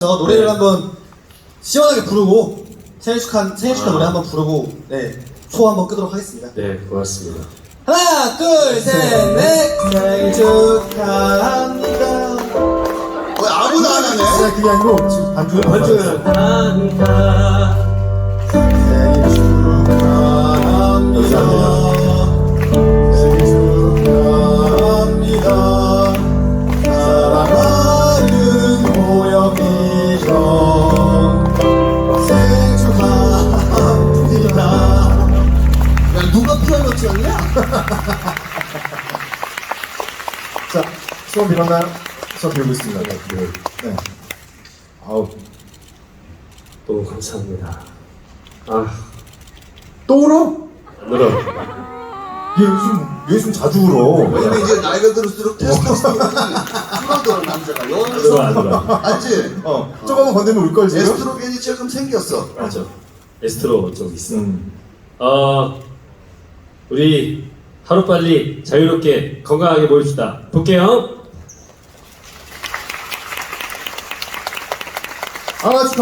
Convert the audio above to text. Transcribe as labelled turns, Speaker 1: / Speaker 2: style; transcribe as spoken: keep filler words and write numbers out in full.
Speaker 1: 노래를
Speaker 2: 네.
Speaker 1: 한번 시원하게 부르고 생일 축하 생일 축하
Speaker 2: 아.
Speaker 1: 노래 한번 부르고 네 소 한번 끄도록 하겠습니다.
Speaker 2: 네, 고맙습니다.
Speaker 1: 하나 둘셋넷 생일 축하합니다.
Speaker 3: 왜 아무도 안 하네?
Speaker 4: 아니 그게 아니고 지금 반주를
Speaker 2: 반주를 합니다.
Speaker 1: 생일 축하합니다. 생일 축하합니다. 사랑하는 호영이 형 생일 축하합니다. 야 누가 피아노 치었냐?
Speaker 4: 자 수업 일어나요? 수업 배우고 있습니다. 네, 네. 네. 아우
Speaker 2: 너무 감사합니다. 아,
Speaker 4: 또 울어?
Speaker 2: 안 울어.
Speaker 4: 얘 요즘 얘 요즘 자주 울어.
Speaker 3: 왜냐면 이제 나이가 들수록 테스토스테론이 줄어들어 남자가
Speaker 2: 안 울어, 안
Speaker 3: 여기서
Speaker 2: 울어.
Speaker 3: 알지?
Speaker 4: 어 조금만 건드면 울걸 지금.
Speaker 3: 에스트로겐이 조금 생겼어.
Speaker 2: 맞아. 에스트로 좀 있어.
Speaker 4: 음.
Speaker 2: 어, 우리 하루빨리 자유롭게 건강하게 모입시다. 볼게요.
Speaker 4: 아 축하.